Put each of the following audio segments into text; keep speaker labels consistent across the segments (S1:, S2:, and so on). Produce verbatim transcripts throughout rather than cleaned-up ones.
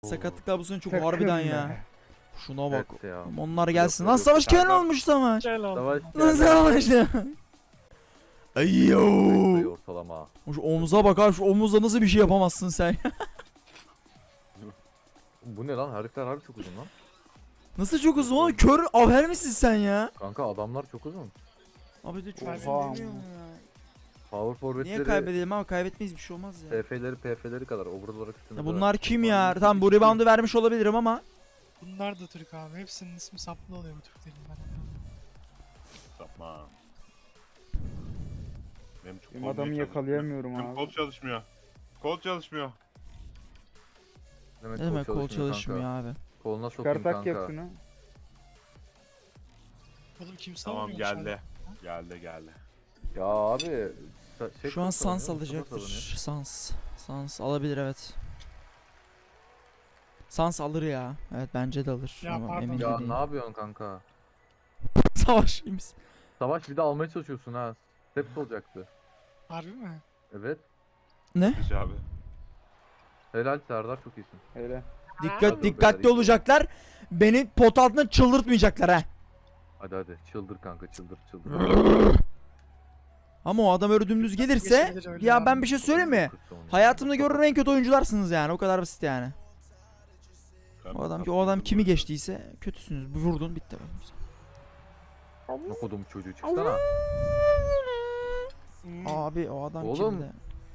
S1: Sakatlıklar bu sene çok
S2: Takım
S1: harbiden
S2: be.
S1: ya. Şuna bak.
S3: Evet ya.
S1: Onlar gelsin.
S3: Yok,
S1: Lan
S3: yok,
S1: savaş
S3: Serdar.
S1: kenar olmuş savaş.
S3: Savaş
S1: Lan savaş. Ayyo.
S3: ortalama.
S1: Şu omuza bak abi, şu omuzla nasıl bir şey yapamazsın sen?
S3: Bu ne lan? Herifler harbi çok uzun lan.
S1: Nasıl çok uzun oğlum? Kör aver misin sen ya?
S3: Kanka adamlar çok uzun.
S1: Abi de çok
S2: Oha.
S1: uzun demiyorum ya.
S3: Power forward'leri
S1: Niye kaybedelim ama kaybetmeyiz, bir şey olmaz ya.
S3: P F'leri P F'leri kadar overall olarak üstünde.
S1: Ya bunlar kim ya? Tamam bu reboundu vermiş olabilirim ama.
S4: Bunlar da Türk abi. Hepsinin ismi saplı oluyor bu Türklerin.
S5: Tamam. Benim çok
S2: Benim
S5: kol
S2: adamı
S5: niye
S2: yakalayamıyorum
S5: çalışmıyor? Benim
S2: abi.
S5: kol çalışmıyor. Kol çalışmıyor.
S1: Ne demek kol çalışmıyor abi?
S3: Koluna sokayım
S2: Çıkartak
S3: kanka.
S2: yap şunu.
S4: Oğlum kim
S5: Tamam
S4: savunuyor
S5: geldi. Geldi geldi.
S3: Ya abi. Şey
S1: Şu an
S3: savunuyor,
S1: Sans
S3: Mustafa
S1: alacaktır.
S3: savunuyor.
S1: Sans. Sans alabilir evet. Sans alır ya. Evet bence de alır.
S4: Ya
S1: Ama
S4: pardon.
S1: emin
S3: Ya
S1: değilim.
S3: ne yapıyorsun kanka?
S1: Savaş iyi misin?
S3: Savaş bir de almaya çalışıyorsun ha. Step olacaktı.
S4: Harbi mi?
S3: Evet.
S1: Ne?
S5: Hiç abi.
S3: Helal Serdar, çok iyisin.
S2: Öyle.
S1: Dikkat
S3: Hadi
S1: dikkatli
S3: beyler,
S1: olacaklar. Beni pot altına çıldırtmayacaklar ha.
S3: Hadi hadi çıldır kanka, çıldır çıldır.
S1: Ama o adam öyle dümdüz gelirse
S4: Geçebilir öyle
S1: ya
S4: abi.
S1: ben bir şey söyleyeyim mi? Hayatımda gördüğüm en kötü oyuncularsınız yani. O kadar basit yani. O adam ki o adam kimi geçtiyse kötüsünüz. Bu vurdun bitti.
S3: Ne kodum çocuğu çıksana.
S1: Abi o adam
S3: Oğlum.
S1: kimdi?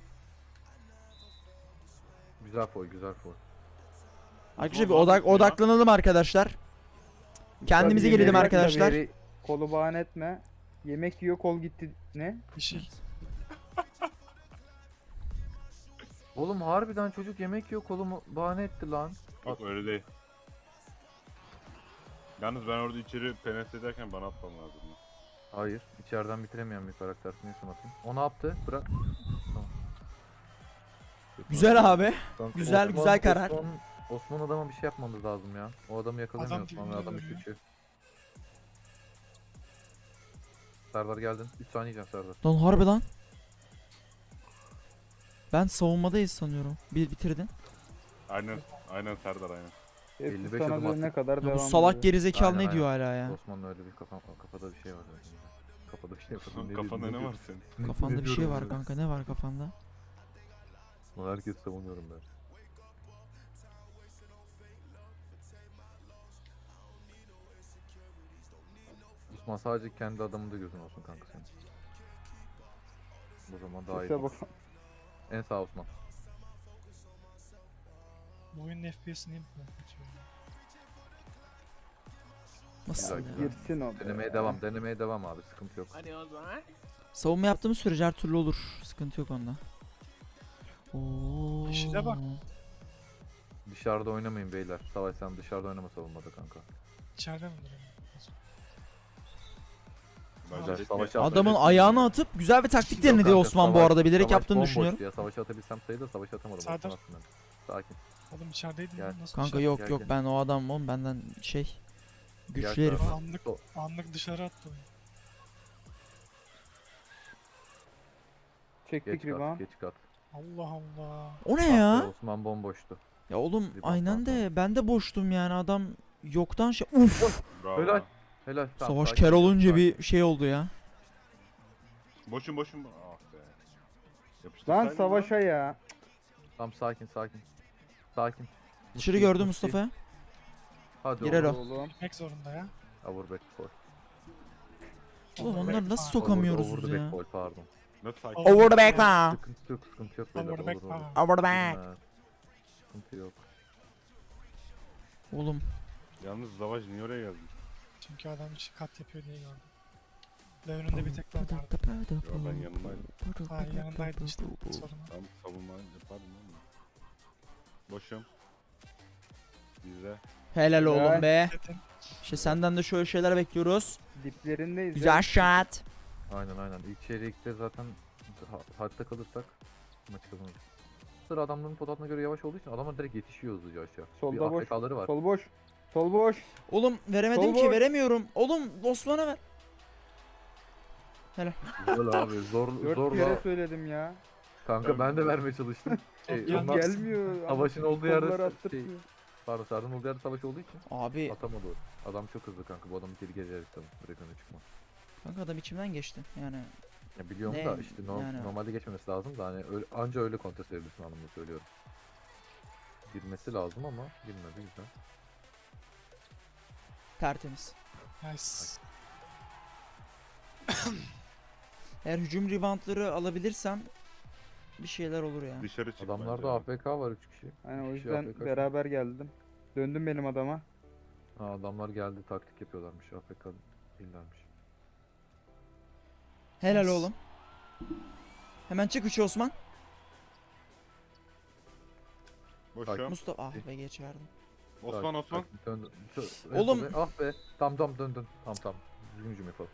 S3: Güzel foy, güzel foy.
S1: Arkadaşlar bir odak odaklanalım arkadaşlar. Kendimize
S2: Tabii
S1: gelelim
S2: yemek
S1: arkadaşlar.
S2: tabii, Kolu bahane etme. Yemek yiyor, kol gitti. Ne?
S4: Bir şey.
S3: Oğlum harbiden çocuk yemek yiyor, kolumu bahane etti lan.
S5: Yok öyle değil. Yalnız ben orada içeri penetre ederken bana atmam lazım.
S3: Hayır, içeriden bitiremeyen bir karakter. Neyse atayım. O ne yaptı? Bırak. Tamam.
S1: Güzel abi.
S3: Kanka,
S1: güzel, güzel karar.
S3: Osman, Osman adama bir şey yapmamız lazım ya. O adamı yakalamıyor
S4: Adam
S3: Osman ve adam
S4: dibinde
S3: üç üçü. Serdar geldin. üç saniye yiyeceğim Serdar.
S1: Lan harbi lan. Ben savunmadayız sanıyorum. Bir bitirdin.
S5: Aynen. Aynen Serdar aynen.
S2: Hepsi
S3: elli beş
S2: sana
S3: adım
S2: dönene
S3: attık.
S2: kadar
S1: Ya
S2: devam
S1: bu salak
S2: ediyor.
S1: gerizekalı
S3: Aynen,
S1: ne diyor hala ya?
S3: Osman'ın öyle bir kafa, kafada bir şey var. Kafada bir şey var.
S5: Kafanda ne var senin?
S1: Kafanda bir şey var kanka. Ne var kafanda?
S3: Bunu herkes savunuyorum ben. Osman sadece kendi adamında gözün olsun kanka senin. Bu zaman daha iyi.
S2: Sese bak.
S3: En sağ Osman.
S4: Bu oyunun F P S'ini mi kaçıyor?
S1: Nasıl
S3: Güzel,
S1: ya?
S3: güzel.
S2: Girsin o. be.
S3: Denemeye devam, denemeye devam abi, sıkıntı yok.
S1: Savunma yaptığımız sürece her türlü olur. Sıkıntı yok onda. Oo.
S4: İşine bak.
S3: Dışarıda oynamayın beyler. Savaş sen dışarıda oynama savunmada kanka.
S4: İçeride mi duruyor?
S5: Bence
S3: Savaş
S1: Adamın
S3: Savaş-
S1: ayağını atıp güzel bir taktik
S3: Yok
S1: denedi
S3: kanka,
S1: Osman bu
S3: savaş-
S1: arada. Bilerek
S3: savaş
S1: yaptığını
S3: bomboş
S1: düşünüyorum.
S3: Ya. Savaşa atabilsem sayıda savaş atamadım.
S4: Serdar.
S3: Osman aslında. Sakin.
S4: Oğlum içerideydin
S3: Gel.
S4: lan nasıl
S1: Kanka
S4: dışarı?
S1: yok
S3: gel,
S1: yok
S3: gel.
S1: ben o adam oğlum benden şey. Güçlü
S3: Gel
S1: herif.
S3: tarafa.
S4: Anlık,
S3: O-
S4: anlık dışarı attı oyun.
S2: Çektik
S3: Geç kat,
S2: rebound.
S3: geç kat.
S4: Allah Allah.
S1: O ne
S3: Ah be,
S1: ya?
S3: Osman bomboştu.
S1: Ya oğlum
S3: Bir bak
S1: aynen
S3: bak
S1: de ben de boştum yani adam yoktan şey. Uf.
S5: Bravo.
S3: Helal. Helal. Tamam,
S1: Savaş
S3: sakin,
S1: ker olunca
S3: sakin.
S1: bir şey oldu ya.
S5: Boşun boşun. Ah be.
S2: Lan
S5: Yapıştırsaydın
S2: savaşa ya.
S3: Tamam sakin sakin. Sakin.
S1: Dışarı
S3: Musti,
S1: gördüm
S3: Musti.
S1: Mustafa.
S3: Hadi
S1: Girer
S3: oğlum.
S1: o.
S2: Oğlum.
S4: Gitmek zorunda ya.
S3: Over back foul.
S1: Oğlum
S4: Over
S1: onları
S4: back
S1: nasıl
S4: power.
S1: sokamıyoruz
S3: Over
S1: biz
S3: the
S1: ya?
S3: back foul, pardon.
S5: Net sakin.
S4: Over
S1: the back now.
S3: Sıkıntı yok, sıkıntı yok beyler.
S4: Over the back
S3: olur, olur.
S4: power.
S1: Over the back.
S3: Evet. Sıkıntı yok.
S1: Oğlum
S5: Yalnız Savaş niye oraya geldin?
S4: Çünkü adam hiç kat yapıyor diye gördüm. Ve önünde bir tek ben vardı.
S5: Yo ben yanındaydım.
S4: Ha yanındaydın işte. Sorun. o.
S5: Tam savunma yapardım ama. Boşum. Bize.
S1: helal oğlum be.
S4: Zaten
S1: İşte senden de şöyle şeyler bekliyoruz.
S2: Diplerindeyiz.
S1: Güzel
S2: ya.
S1: shot.
S3: Aynen aynen. İlk çeyrekte zaten ha- hatta kalırsak maç kazanırız. Sıra adamların pot altına göre yavaş olduğu için adamlar direkt yetişiyor hızlıca aşağı.
S2: Solda
S3: bir
S2: boş.
S3: A F K'ları var.
S2: Sol boş. Sol boş.
S1: Oğlum veremedim
S2: Sol
S1: ki
S2: boş.
S1: veremiyorum. Oğlum Osman'a ver.
S3: Güzel abi, zor
S2: Dört
S3: zorla.
S2: kere söyledim ya.
S3: Kanka ben de vermeye çalıştım. Şey,
S4: Yok,
S3: onlar
S2: Gelmiyor.
S3: savaşın olduğu
S2: Kollar
S3: yerde
S2: attırtmıyor.
S3: Pardon Serdar'ın olduğu yerde savaş olduğu için
S1: Abi
S3: atamadı o. Adam çok hızlı kanka. Bu adamı geri gelerek tabii. Direkt öne çıkma.
S1: kanka adam içimden geçti. Yani
S3: Ya biliyorum
S1: Ne?
S3: da işte no-
S1: Yani-
S3: normalde geçmemesi lazım da hani öyle, anca öyle kontrol edebilirsin anlamında söylüyorum. Girmesi lazım ama girmedi güzel.
S1: tertemiz.
S4: Nice.
S1: Eğer hücum reboundları alabilirsem bir şeyler olur ya.
S5: Dışarı çık
S3: Adamlarda
S5: bence.
S3: A F K var üç kişi.
S2: Aynen o
S3: üç kişi
S2: yüzden
S3: A F K.
S2: beraber geldim. Döndüm benim adama.
S3: Ha, adamlar geldi taktik yapıyorlarmış. A F K değillermiş.
S1: Helal
S4: Nice.
S1: oğlum. Hemen çık üçü Osman.
S5: Boşum.
S1: Mustafa ah be geç verdim.
S5: Osman
S3: Tak-
S5: Osman.
S3: tak- dön- dön-
S1: Oğlum.
S3: en sola- Ah be. Tam tam dön dön. Tam tam. Düzgün hücum yapalım.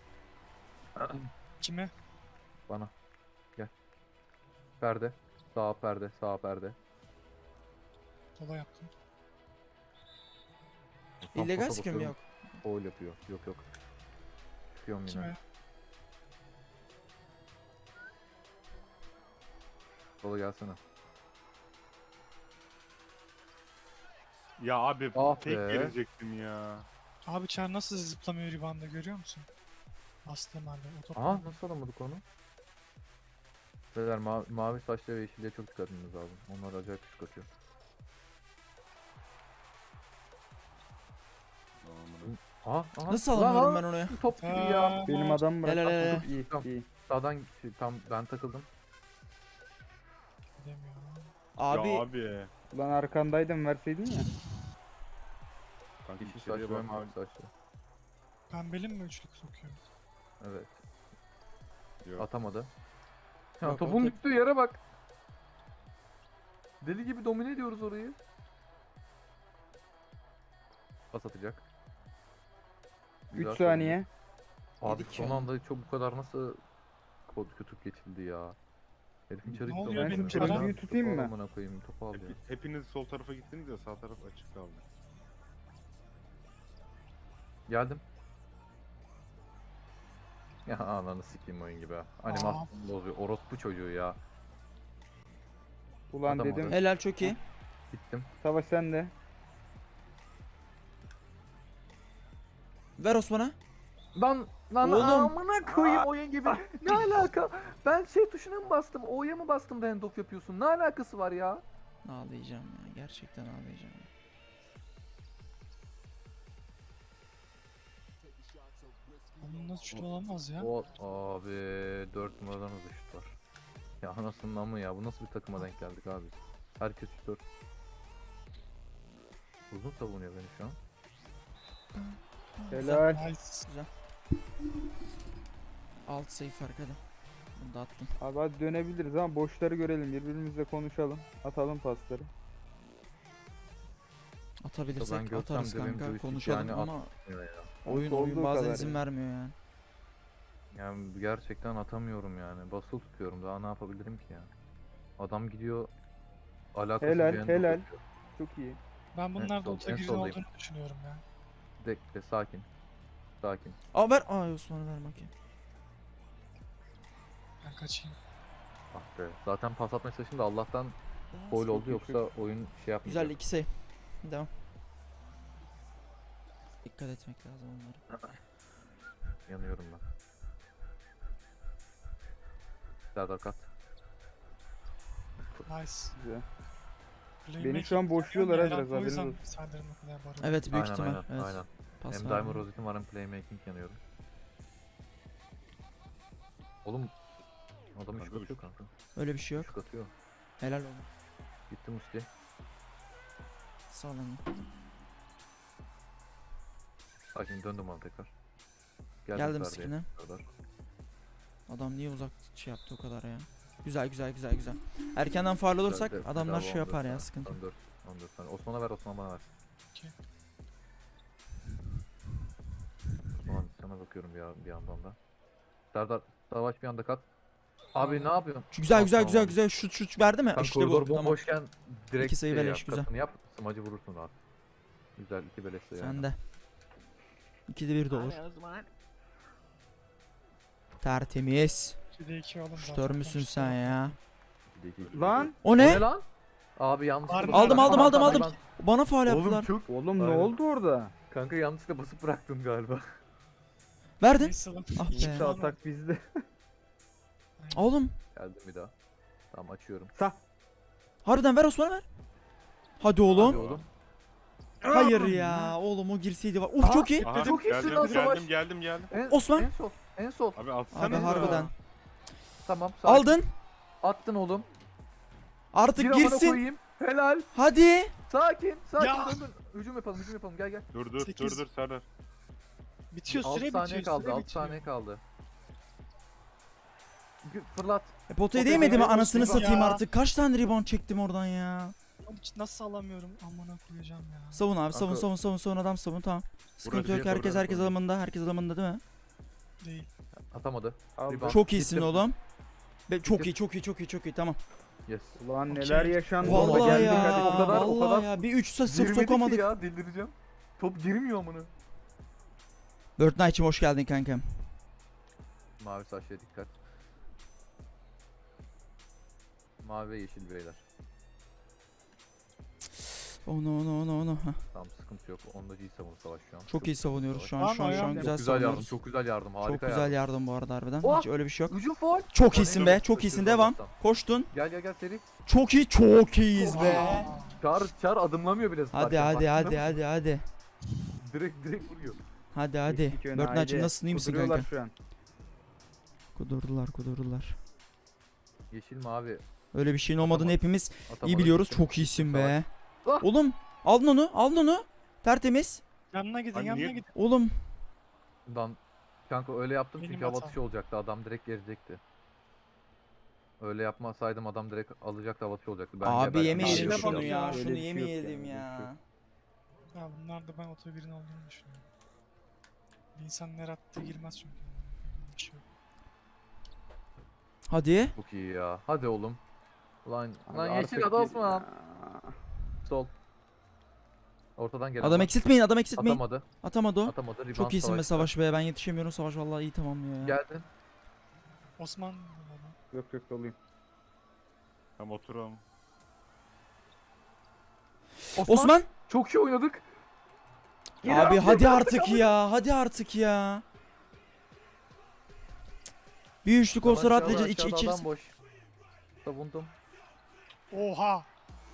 S4: Kime?
S3: Bana. Gel. Perde. Sağ perde. Sağ perde.
S4: Sola yaptım.
S3: Tam
S1: İllegal
S3: pasa
S1: sıkıyor mu?
S3: basıyorum,
S1: Yok.
S3: Foul yapıyor. Yok yok. Çıkıyorum yine.
S4: Kime?
S3: Sola gelsene.
S5: Ya abi
S3: Ah
S5: tek
S3: be.
S5: gelecektim ya.
S4: Abi Çar nasıl zıplamıyor ribanda görüyor musun? Bastığım halde o topu.
S3: Aha nasıl alamadık onu? Beyler ma mavi saçlı ve yeşilliğe çok dikkat etmemiz lazım. Onlar acayip küçük atıyor.
S5: Aman.
S3: Aha, aha.
S1: Nasıl
S3: Lan
S1: alamıyorum
S3: lan,
S1: ben onu ya?
S3: Top gibi ya.
S4: Aa,
S2: Benim adam bırak.
S1: Helal, helal.
S2: İyi
S3: Tamam.
S2: iyi.
S3: Sağdan şey, tam ben takıldım.
S4: Gidemiyorum.
S1: Abi
S5: Ya abi.
S2: Ulan arkandaydım verseydin ya.
S5: Kanka
S3: Yeşil
S5: içeriye
S3: saçlı ve
S5: bak.
S3: mavi saçlı.
S4: Pembeli mi üçlük sokuyor?
S3: Evet.
S5: Yok.
S3: Atamadı. Ya
S1: Yok,
S3: topun
S1: o
S3: düştüğü yere bak. Deli gibi domine ediyoruz orayı. Pas atacak. Güzel
S2: üç saniye.
S3: savunma. Abi
S1: Yedik
S3: son
S1: ya.
S3: anda çok bu kadar nasıl kod kötü geçildi ya. Herifin içeri
S4: Ne
S3: gitti
S4: oluyor
S3: ama
S2: benim
S3: topu
S2: çarım?
S3: aldı,
S2: tutayım
S3: topu
S2: mı?
S3: amına koyayım, topu al ya.
S5: Hep- hepiniz sol tarafa gittiniz ya sağ taraf açık kaldı.
S3: Geldim. Ya ananı sikeyim oyun gibi ha. Animasyon bozuyor. Orospu çocuğu ya.
S2: Ulan
S3: Atamadı.
S2: dedim.
S1: helal çok iyi.
S3: Bittim.
S2: Savaş sende.
S1: Ver Osman'a.
S3: Lan lan
S1: Oğlum.
S3: amına koyayım oyun gibi. Ne alaka? Ben şey tuşuna mı bastım? O'ya mı bastım da handoff yapıyorsun? Ne alakası var ya?
S1: Ağlayacağım ya. Gerçekten ağlayacağım. ya.
S4: Onun nasıl üçlü olamaz ya?
S3: O abi dört numaradan hızlı şut var. Ya anasının amı ya. Bu nasıl bir takıma denk geldik abi? Herkes şutör. Uzun savunuyor beni şu an.
S2: Helal.
S4: Nice.
S1: Alt sayı fark hadi. Bunu da attım.
S2: Abi hadi dönebiliriz ama boşları görelim. Birbirimizle konuşalım. Atalım pasları.
S1: Atabilirsek
S3: Ben görsem
S1: atarız
S3: de benim
S1: kanka.
S3: joystick
S1: Konuşalım
S3: yani
S1: ama
S3: Ya, ya.
S1: oyun
S2: Olduğu
S1: oyun bazen
S2: kadar
S1: izin
S2: yani.
S1: vermiyor yani.
S3: Yani gerçekten atamıyorum yani. Basılı tutuyorum. Daha ne yapabilirim ki ya? Adam gidiyor alakasız
S2: Helal,
S3: bir handoff
S2: helal.
S3: yapıyor.
S2: Çok iyi.
S4: Ben bunlarda
S3: sol-
S4: ultra
S3: en
S4: grid
S3: soldayım.
S4: olduğunu düşünüyorum ya.
S3: Bekle sakin. Sakin.
S1: Aa ver. Ay Osman'a ver bakayım.
S4: Ben kaçayım.
S3: Ah be. Zaten pas atmaya çalıştım da Allah'tan foul oldu
S2: iyi,
S3: yoksa
S2: çok
S3: oyun şey yapmayacak.
S1: Güzel iki sayı. Devam. Dikkat etmek lazım onlara.
S3: Yanıyorum ben. Serdar kat.
S4: Nice.
S2: Güzel.
S4: Playmaking
S2: şu an boşluyorlar ha
S4: herhalde
S2: biraz,
S4: o
S2: haberiniz
S4: yüzden
S2: olsun.
S4: Serdar'ın o kadar var.
S1: Evet büyük
S3: Aynen
S1: ihtimal.
S3: aynen
S1: Evet.
S3: aynen.
S1: Pas
S3: Hem
S1: vermiyor.
S3: Diamond Rose'um var hem playmaking yanıyorum. Oğlum adam
S5: Kanka
S3: üç
S5: üç.
S3: atıyor kanka.
S1: Öyle bir şey yok.
S3: Üç atıyor.
S1: Helal olsun.
S3: Gitti Musti.
S1: Sağ olun.
S3: Sakin döndüm ona tekrar.
S1: Geldim
S3: Ferdi'ye.
S1: screen'e.
S3: Serdar.
S1: Adam niye uzak şey yaptı o kadar ya. Güzel güzel güzel güzel. Erkenden faul olursak
S3: Güzel de-
S1: adamlar
S3: Bravo,
S1: şey yapar
S3: on dört
S1: ya
S3: tane,
S1: sıkıntı.
S3: on dört, on dört tane. Osman'a ver, Osman bana ver.
S4: Okey.
S3: Osman sana bakıyorum bir, bir yandan da. Serdar, Savaş bir anda kat. Abi ne yapıyorsun?
S1: Şu güzel
S3: Ah,
S1: güzel
S3: tamam.
S1: güzel güzel şut şut verdi mi?
S3: Kanka
S1: işte
S3: koridor
S1: bu. Tamam.
S3: bomboşken direkt
S1: İki sayı
S3: şey
S1: beleş,
S3: yap,
S1: güzel.
S3: katını yap, smacı vurursun rahat. Güzel, iki beleş sayı.
S1: Sen de. İkide bir de olur. Tertemiz.
S4: ikide iki oğlum zaten.
S1: Şutör müsün
S4: konuştuk.
S1: sen ya?
S3: İki de iki, iki de
S2: Lan
S3: iki.
S1: O
S3: O
S1: ne?
S3: ne lan? Abi yanlışlıkla
S4: Aldım,
S3: basıp
S1: aldım,
S3: bıraktım.
S1: aldım,
S3: Hatta
S1: aldım. Bana faul
S3: ben-
S1: yaptılar.
S3: Oğlum çok.
S2: Oğlum ne
S3: Aynen.
S2: oldu orada?
S3: Kanka yanlışlıkla basıp bıraktım galiba.
S1: Verdin.
S4: Neyse lan.
S1: Ah be.
S2: İşte atak bizde.
S1: Oğlum.
S3: Geldim bir daha. Tamam açıyorum.
S2: Sağ.
S1: Harbiden ver Osman'a ver. Hadi oğlum.
S3: Hadi oğlum.
S1: Hayır ya. Oğlum o girseydi var. Uf
S3: Aa,
S1: çok iyi.
S5: Aha,
S3: Çok iyisin
S5: geldim,
S3: lan Savaş.
S5: geldim, geldim, geldim.
S3: En,
S1: Osman.
S3: En sol. En sol.
S5: Abi atsana.
S1: Abi
S5: da.
S1: harbiden.
S3: Tamam. sakin.
S1: Aldın.
S3: Attın oğlum.
S1: Artık
S3: Bir amına
S1: girsin.
S3: koyayım. Helal.
S1: Hadi.
S3: Sakin. Sakin.
S4: Ya.
S3: Dön, dön. Hücum yapalım. Hücum yapalım. Gel gel.
S5: Dur dur
S4: Sekiz.
S5: dur dur Serdar.
S4: Bitiyor
S3: altı
S4: süre
S3: saniye
S4: bitiyor.
S3: kaldı.
S4: süre
S3: altı
S4: bitiyor.
S3: saniye kaldı. Gü- Fırlat.
S1: E, potaya
S3: Potaya
S1: değmedi mi
S3: değmedi,
S1: anasını
S3: rebound.
S1: satayım
S4: Ya.
S1: artık. Kaç tane rebound çektim oradan ya.
S4: Oğlum hiç nasıl alamıyorum? Amına koyacağım ya.
S1: Savun abi savun
S3: Kanka-
S1: savun savun savun adam savun tamam. Sıkıntı
S5: Burası
S1: yok
S5: yeter,
S1: herkes
S5: orası
S1: herkes
S5: sorun.
S1: alımında herkes alımında değil mi?
S4: Değil.
S3: Atamadı.
S2: Aldım.
S3: Rebound.
S1: Çok iyisin
S3: Bitti.
S1: oğlum. Be, çok
S3: Bitti.
S1: iyi çok iyi çok iyi çok iyi tamam.
S3: Yes.
S2: Ulan
S4: Okey.
S2: neler yaşandı orada,
S1: Vallahi
S2: geldik
S1: ya.
S2: hadi.
S3: o kadar- o
S1: vallahi
S3: kadar
S1: ya bir üç sıfır
S3: Girmedi ki
S1: sokamadık.
S3: ya. Delireceğim. Top girmiyor amına.
S1: Bird Knight'cim hoş geldin kankam.
S3: Mavi saçlıya dikkat. Mavi ve yeşil beyler.
S1: Onu onu onu onu. Heh.
S3: Tamam sıkıntı yok. Onda iyi savunur savaş şu an.
S1: Çok iyi savunuyoruz şu an
S4: Tamam,
S1: şu an şu an
S4: ayağım.
S1: güzel
S3: Çok güzel yardım.
S1: savunuyoruz.
S3: Çok güzel yardım. Harika
S1: Çok güzel yardım bu arada harbiden.
S3: Oh!
S1: Hiç öyle bir şey yok.
S3: Hücum faul.
S1: Çok
S3: Hadi.
S1: iyisin be çok iyisin devam. Koştun.
S3: Gel gel gel seri.
S1: Çok iyi çok iyiyiz be.
S3: Çağır çağır adımlamıyor bile.
S1: Hadi
S3: zaten.
S1: hadi
S3: Bak,
S1: hadi hadi hadi.
S3: Direkt direkt vuruyor.
S1: Hadi hadi.
S2: Geçtik öne,
S1: Bird Knight'cim
S2: haydi.
S1: nasılsın iyi misin
S2: Kuduruyorlar
S1: kanka?
S2: şu an.
S1: Kudurdular kudurdular.
S3: Yeşil mavi.
S1: Öyle bir şeyin olmadığını
S3: Atamadı.
S1: hepimiz
S3: Atamadı.
S1: iyi biliyoruz.
S3: Gitti.
S1: Çok iyisin be.
S3: Ah!
S1: Oğlum aldın onu aldın onu. Tertemiz.
S4: Yanına gidin
S5: Abi
S4: yanına
S5: niye-
S4: gidin.
S1: Oğlum
S3: Dan kanka öyle yaptım
S4: Benim
S3: çünkü hava
S4: hatam.
S3: atışı olacaktı. Adam direkt gelecekti. Öyle yapmasaydım adam direkt alacaktı, hava atışı olacaktı. Ben
S1: abi
S3: geberdim.
S1: yemeyelim
S4: Abi,
S1: şunu
S4: bak
S1: ya.
S4: ya.
S1: Şunu
S2: Öyle bir şey yok
S1: yemeyelim
S2: yani, öyle bir şey
S1: ya.
S4: Ya bunlar da ben otobirin olduğunu düşünüyorum. Bir insan ne rahatta girmez çünkü. Bir şey yok.
S1: Hadi.
S3: Çok iyi ya. Hadi oğlum. Lan
S2: Abi
S3: lan
S2: artık
S3: yeşil adam Osman.
S2: ya.
S3: Sol. Ortadan gelen.
S1: Adam
S3: var.
S1: eksiltmeyin adam eksiltmeyin.
S3: Atamadı.
S1: Atamadı o.
S3: Atamadı. Rebound
S1: Çok iyisin be
S3: savaşta.
S1: Savaş be. Ben yetişemiyorum Savaş vallahi iyi tamamlıyor ya.
S3: Geldin.
S4: Osman
S2: Yok yok doluyum.
S5: Tamam oturalım.
S1: Osman.
S3: Çok iyi oynadık.
S1: Abi hadi artık ya. Hadi artık ya. Bir üçlük olsa
S3: Aşağıda,
S1: rahatlayacağız. İç,
S3: aşağıda
S1: içeriz.
S3: adam boş. Savundum.
S4: Oha!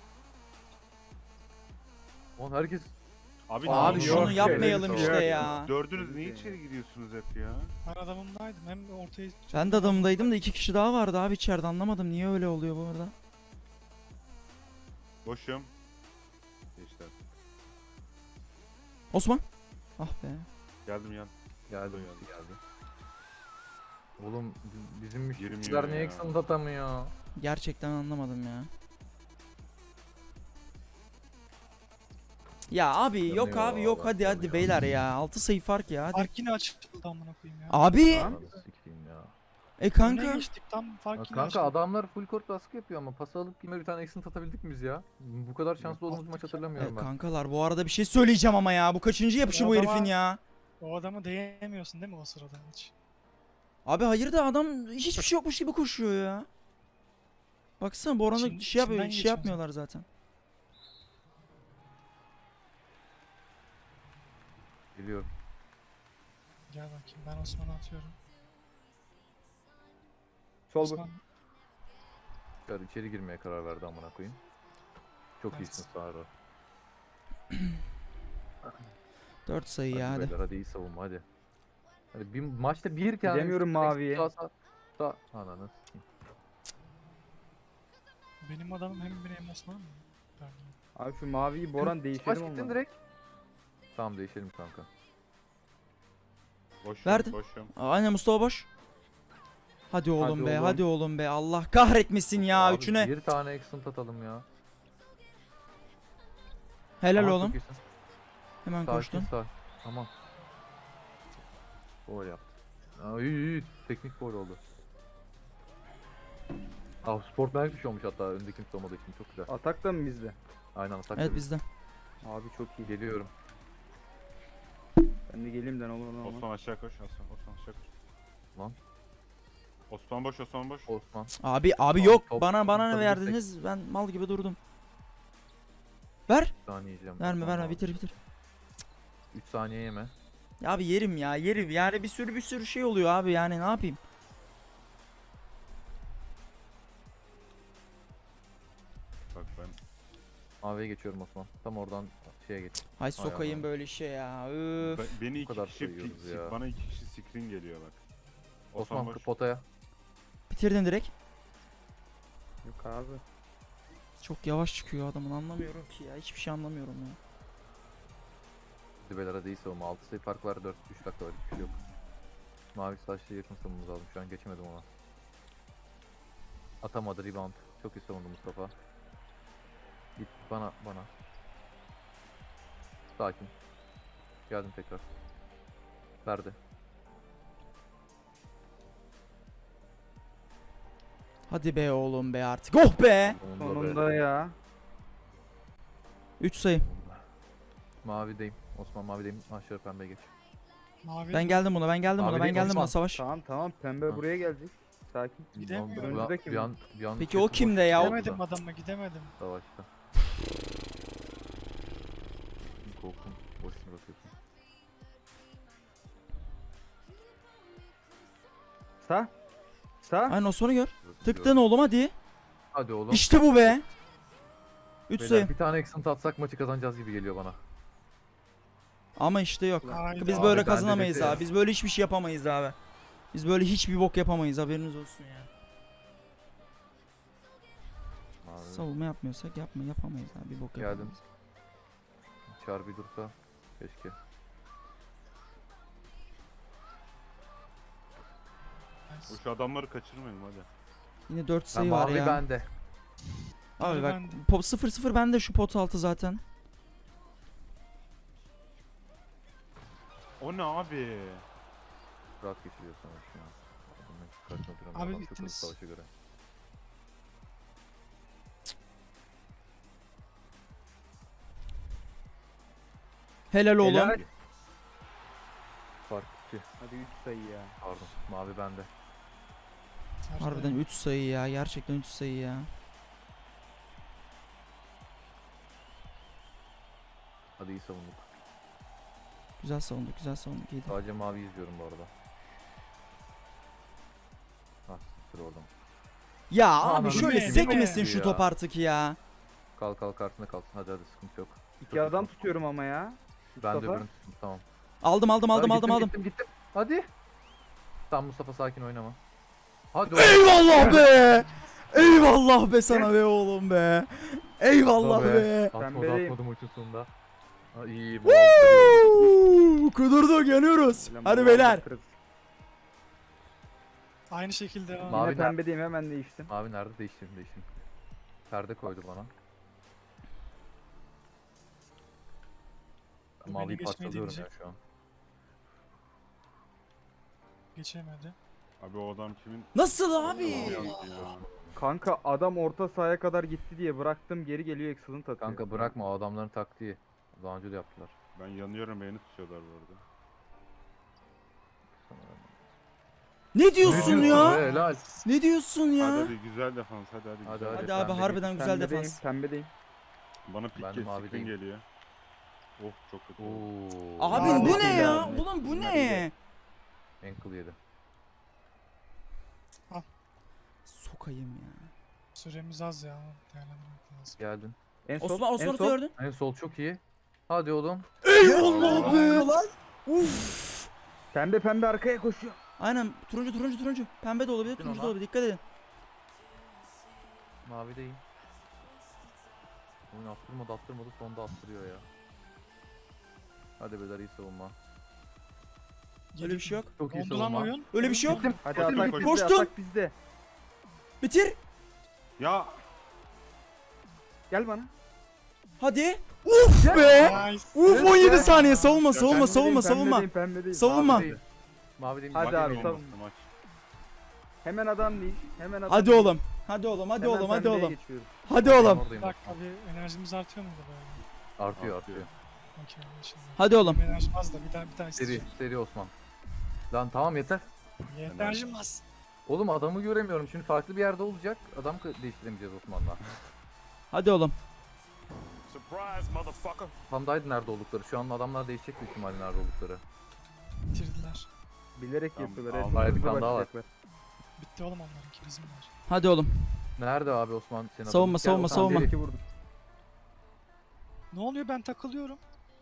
S3: Oğlum herkes
S5: Abi,
S1: Abi
S5: ne
S1: şunu
S5: yok,
S1: yapmayalım
S5: yok.
S1: işte ya.
S5: Dördünüz niye içeri gidiyorsunuz hep ya?
S4: Ben adamımdaydım. Hem ortaya...
S1: Ben de adamdaydım da iki kişi daha vardı abi içeride anlamadım. Niye öyle oluyor bu arada?
S5: Boşum. Geçti.
S1: Osman. Ah be.
S5: Geldim yan.
S3: geldi.
S5: Geldi.
S3: geldi. Oğlum bi- bizim
S5: Girmiyor
S3: müşteriler niye
S5: ya.
S3: eksan atamıyor?
S1: Gerçekten anlamadım ya. Ya abi yok
S3: Yanıyor
S1: abi yok
S3: vallahi,
S1: hadi hadi
S3: yanıyor.
S1: beyler ya. altı sayı fark ya hadi.
S4: Fark yine açıldı amına koyayım ya.
S1: Abi.
S3: Ananı sikeyim ya.
S1: E
S4: Öne
S1: kanka.
S4: geçtik tam fark
S3: Ya
S4: yine
S3: kanka
S4: açıldı.
S3: adamlar full court baskı yapıyor ama pas alıp yine bir tane eksin atabildik mi biz ya? Bu kadar şanslı olduğumuz maç
S1: E,
S3: hatırlamıyorum ben.
S1: kankalar bu arada bir şey söyleyeceğim ama ya. Bu kaçıncı yapışı
S4: Ya
S1: bu
S4: adama-
S1: herifin ya.
S4: O adamı değemiyorsun değil mi o sırada hiç?
S1: Abi hayır da adam hiçbir şey yokmuş gibi koşuyor ya. Baksana Boran'ı
S4: İçin-
S1: şey, yapıyor,
S4: içinden
S1: şey
S4: geçiyor
S1: yapmıyorlar zaten.
S3: Biliyorum.
S4: Gel bakayım ben Osman'a atıyorum.
S2: Sol bu.
S4: Osman
S3: Çıkar içeri girmeye karar verdi amına koyayım. Çok
S4: Evet.
S3: iyisin Sağra.
S1: dört sayı
S3: Hadi
S1: ya hadi.
S3: beyler, hadi iyi savunma hadi. Hadi bir maçta bir tane
S2: Gidemiyorum
S3: üç tane
S2: maviye.
S3: eksik sağ- sağ- sağ- Ananı sikeyim.
S4: benim adamım hem benim hem Osman mı? Ben
S2: Abi şu maviyi Boran
S3: Maç
S2: değişelim
S3: gittin
S2: olmadı.
S3: direkt. Tamam değişelim kanka.
S5: Boşum.
S1: Verdi.
S5: Boşum.
S1: Aynen Mustafa boş. Hadi oğlum
S3: Hadi
S1: be
S3: oğlum.
S1: hadi oğlum be. Allah kahretmesin ya
S3: Abi
S1: üçüne.
S3: Bir tane eksin atalım ya.
S1: Helal
S3: Aha,
S1: oğlum.
S3: çok iyisin.
S1: Hemen
S3: Sakin
S1: koştun.
S3: sağ. Tamam. Gol yaptı. Aa, iyi iyi. Teknik gol oldu. Ah sportmen bir şey olmuş hatta öndeki kimse olmadığı için çok güzel.
S2: Atak da mı bizde?
S3: Aynen atak
S1: Evet
S3: tabii.
S1: bizde.
S2: Abi çok iyi.
S3: Geliyorum.
S2: Ben de geleyim de ne olur ne olmaz.
S5: Osman aşağı koş. Osman, Osman aşağı koş.
S3: Lan.
S5: Osman boş, Osman boş.
S3: Osman.
S1: Abi abi
S3: Top-
S1: yok.
S3: top
S1: Bana bana ne
S3: tutabilirsek.
S1: verdiniz? Ben mal gibi durdum. Ver.
S3: üç saniye yiyeceğim.
S1: Verme
S3: Osman
S1: verme
S3: abi.
S1: bitir bitir.
S3: üç saniye yeme.
S1: Ya abi yerim ya yerim. Yani bir sürü bir sürü şey oluyor abi yani ne yapayım.
S5: Bak ben
S3: Maviye geçiyorum Osman. Tam oradan şeye geç.
S1: Hay sokayım
S3: Allah.
S1: böyle şey ya. Üf.
S5: be- beni iki
S3: kadar
S5: kişi
S3: sayıyoruz
S5: pik-
S3: ya.
S5: bana iki kişi screen geliyor bak.
S3: Osman
S5: boş.
S3: potaya.
S1: Bitirdin direkt.
S2: Yok abi.
S1: Çok yavaş çıkıyor adamın anlamıyorum ki ya. Hiçbir şey anlamıyorum ya.
S3: Dibelere değil savunma. altı sayı fark var. dört üç dakika var. Hiçbir şey yok. Mavi saçlı yakın savunmamız lazım. Şu an geçemedim ona. Atamadı rebound. Çok iyi savundu Mustafa. Git bana bana. Sakin. Geldim tekrar. Verdi.
S1: Hadi be oğlum be artık. Oh be.
S3: Sonunda be.
S2: Sonunda ya.
S1: üç sayı.
S3: Mavideyim. Osman mavideyim. Aşağı pembe geç.
S4: Mavi.
S1: Ben geldim buna ben geldim
S3: Abi
S1: buna ben
S3: değil,
S1: geldim
S3: Osman.
S1: buna savaş.
S2: Tamam tamam pembe
S3: Ha.
S2: buraya gelecek. Sakin.
S4: Gidemiyor.
S3: Bir an-
S2: Önümüzde kim?
S3: bir an, bir an
S1: Peki
S3: şey
S1: o kimde ya? O-
S4: Gidemedim adamla gidemedim.
S3: Savaşta. Korktum. Boşuna bakıyorsun.
S2: Sağ. Sağ.
S1: Aynen Osman'ı gör.
S3: Burası
S1: Tıktın
S3: diyorum.
S1: oğlum hadi.
S3: Hadi oğlum.
S1: İşte bu be. üç
S3: Beyler,
S1: sayı.
S3: bir tane accent atsak maçı kazanacağız gibi geliyor bana.
S1: Ama işte yok.
S4: Hayda.
S1: Biz
S3: Abi
S1: böyle
S3: ben de
S1: kazanamayız
S3: beklerim.
S1: abi. Biz böyle hiçbir şey yapamayız abi. Biz böyle hiçbir bok yapamayız haberiniz olsun ya.
S3: Mavi.
S1: Savunma yapmıyorsak yapma yapamayız abi. Bir bok
S3: Geldim.
S1: yapamayız.
S3: Çağır bir dursa. Keşke.
S5: O şu adamları kaçırmayalım hadi.
S1: Yine dört
S3: Ha,
S1: sayı var
S3: mavi
S1: ya.
S3: bende.
S1: Abi
S4: Mavi
S1: bak
S4: bende.
S1: pot sıfır sıfır bende şu pot altı zaten.
S5: O ne abi?
S3: Rahat geçiriyor savaş ya. Adamın karşısına duramıyor.
S4: Abi
S3: Adam çok hızlı
S4: ittiniz.
S3: savaşa göre.
S1: Helal oğlum.
S2: Helal.
S3: Fark iki.
S2: Hadi üç sayı ya.
S3: Pardon. Mavi bende.
S4: Tercih.
S1: Harbiden üç sayı ya. Gerçekten üç sayı ya.
S3: Hadi iyi savunduk.
S1: Güzel savunduk, güzel savunduk. İyiydi.
S3: Sadece mavi izliyorum bu arada. Ah siktir oradan.
S1: Ya
S3: Anladım.
S1: abi şöyle
S4: Değil mi?
S1: sekmesin
S3: Değil mi?
S1: şu
S3: Ya.
S1: top artık ya.
S3: Kal kal karşısında kalsın. Hadi hadi sıkıntı yok.
S2: İki adam tutuyorum ama ya.
S3: Ben de
S2: Mustafa.
S3: öbürünü tuttum tamam.
S1: Aldım aldım aldım
S3: Hadi
S1: aldım
S3: gittim,
S1: aldım.
S3: Gittim gittim. Hadi. Tamam Mustafa sakin oynama. Hadi oğlum.
S1: Eyvallah be. Eyvallah be sana be oğlum be. Eyvallah
S3: Be.
S1: be.
S3: Atmadı
S2: Pembeleyim.
S3: atmadı maçın sonunda. Ha, iyi bu aldı.
S1: Woo! Kudurduk yanıyoruz.
S2: Ulan
S1: Hadi
S2: bu
S1: beyler.
S2: aldı kırık.
S4: Aynı şekilde devam.
S3: Mavi
S2: Yine
S3: nerede?
S2: pembedeyim hemen değiştim.
S3: Mavi nerede? Değiştim değiştim. Perde koydu bana.
S4: Beni
S3: Maviyi
S4: geçmeyi
S3: parçalıyorum ya
S4: deneyecek.
S3: şu an.
S4: Geçemedi.
S5: Abi o adam kimin?
S1: Nasıl abi?
S5: Ya.
S2: Kanka adam orta sahaya kadar gitti diye bıraktım geri geliyor excellent atıyor.
S3: Kanka bırakma o adamların taktiği. Daha önce de yaptılar.
S5: Ben yanıyorum beni tutuyorlar bu arada.
S1: Ne diyorsun ya?
S3: Be, helal.
S1: Ne diyorsun
S5: Hadi
S1: ya?
S5: hadi güzel defans hadi hadi.
S3: Hadi,
S5: güzel
S3: hadi.
S1: Hadi
S5: defans.
S1: abi
S3: Pembe
S1: harbiden güzel
S2: Pembedeyim,
S1: defans.
S2: Pembedeyim.
S5: Bana pik
S3: Ben
S5: gel,
S3: mavideyim.
S5: screen geliyor. Oh çok kötü. oldu.
S3: Oo.
S1: Abi
S2: Abi
S1: bu ne
S2: değil
S1: ya?
S2: abi.
S1: Ulan bu
S2: Bunlar
S1: ne?
S3: Ankle yedi.
S1: Sokayım ya.
S4: Süremiz az ya. Değerlendirmek lazım.
S3: Geldin.
S2: En sol,
S1: Osman
S2: en
S1: Osman'ı
S2: sol.
S1: gördün.
S3: En sol çok iyi. Hadi oğlum.
S1: Eyvallah be. Uf.
S2: Pembe pembe arkaya koşuyor.
S1: Aynen turuncu turuncu turuncu. Pembe de olabilir,
S3: Gittin
S1: turuncu da
S3: ona.
S1: olabilir. Dikkat edin.
S3: Mavi değil. Oyun attırmadı attırmadı sonda attırıyor ya. Hadi beyler iyi savunma.
S1: Öyle bir şey yok.
S3: Çok iyi
S4: Oldu lan
S3: savunma.
S4: oyun.
S1: Öyle bir şey yok.
S2: Hadi
S5: Koştum,
S2: atak
S5: koştum.
S2: bizde,
S1: Koştum.
S2: atak bizde.
S1: Bitir.
S5: Ya
S2: Gel bana.
S1: Hadi. Uf be.
S4: Nice.
S1: Uf on yedi saniye savunma
S5: Ya
S1: savunma
S5: ben
S1: savunma savunma.
S2: Pembedeyim, pembedeyim.
S1: Savunma.
S3: Mavi değil. Mavi değil.
S2: Hadi
S5: maç
S2: abi,
S5: olmasın
S2: savun.
S5: maç.
S2: Hemen adam değil. Hemen adam
S1: Hadi
S2: değil.
S1: oğlum. Hadi oğlum hadi
S2: Hemen
S1: oğlum hadi
S2: pembeye
S1: oğlum.
S2: geçiyoruz.
S1: Hadi oğlum.
S3: Oradayım
S4: Bir dakika
S3: Osman.
S4: bir enerjimiz artıyor muydu böyle?
S3: Artıyor
S5: Artıyor.
S3: artıyor.
S4: Okey şimdi.
S1: Hadi oğlum.
S4: Enerjim az da bir daha bir daha
S3: Seri
S4: isteyeceğim.
S3: seri Osman. Lan tamam yeter.
S4: Enerjim az.
S3: Oğlum adamı göremiyorum. Şimdi farklı bir yerde olacak. Adam kı- değiştiremeyeceğiz Osman'la.
S1: Hadi oğlum.
S3: Hamdaydı nerede oldukları. Şu an adamlar değişecek büyük ihtimalle nerede oldukları.
S4: Bitirdiler.
S2: Bilerek
S5: Tamam,
S2: yapıyorlar.
S5: aldım.
S2: evet,
S3: Hayır, bir
S2: hızlı
S3: tane daha var.
S2: başlayacaklar.
S4: Bitti oğlum onlarınki bizimler.
S1: Hadi oğlum.
S3: Nerede abi Osman? Senin
S1: Savunma,
S3: adamın?
S1: savunma,
S3: Gel,
S1: savunma.
S3: Osman,
S2: İki vurdum.
S4: Ne oluyor ben takılıyorum.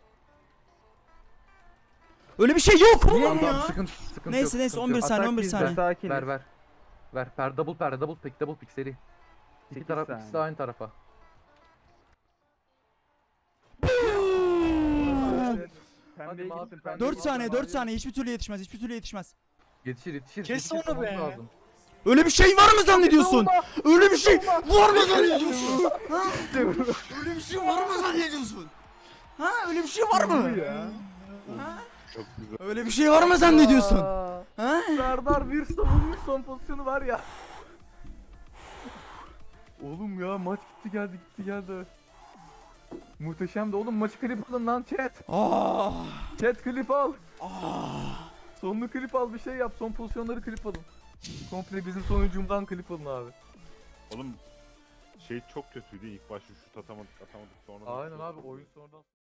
S1: Öyle bir şey yok
S3: Tamam,
S1: oğlum
S3: tamam,
S1: ya.
S3: sıkıntı, sıkıntı
S1: Neyse,
S3: yok,
S1: neyse,
S3: sıkıntı
S1: on bir
S3: yok.
S1: saniye,
S2: Atak
S1: on bir
S2: bizde,
S1: saniye.
S2: sakin.
S3: Ver ver. Ver per double per double pick double pick seri. İki
S2: Sekiz
S3: taraf
S2: saniye.
S3: ikisi de aynı tarafa.
S2: Pembeye
S3: mavi,
S2: gitsin,
S3: pembe.
S2: pembeye
S1: dört
S2: gitsin.
S1: saniye, dört saniye. Hiçbir türlü yetişmez, hiçbir türlü yetişmez.
S3: Yetişir yetişir.
S4: Kes
S3: yetişir,
S4: onu
S3: savunması
S4: be.
S3: lazım.
S1: Öyle bir şey var mı zannediyorsun? Öyle bir şey var mı zannediyorsun? Ha? Öyle bir şey var mı zannediyorsun? Ha? Öyle bir şey var mı?
S2: Ya.
S1: Ha?
S5: Çok güzel.
S1: Öyle bir şey var mı zannediyorsun?
S3: Aa,
S1: Ha?
S3: Serdar bir savunmuş son pozisyonu var ya. Oğlum ya maç gitti geldi gitti geldi. Muhteşemdi oğlum, maçı klip alın lan chat.
S1: Ah!
S3: Chat klip al.
S1: Ah!
S3: Sonunu klip al, bir şey yap, son pozisyonları klip alın. Komple bizim sonucumdan klip alın abi.
S5: Oğlum şey çok kötüydü ilk başta şut atamadık atamadık sonra.
S3: Aynen abi, oyun sonradan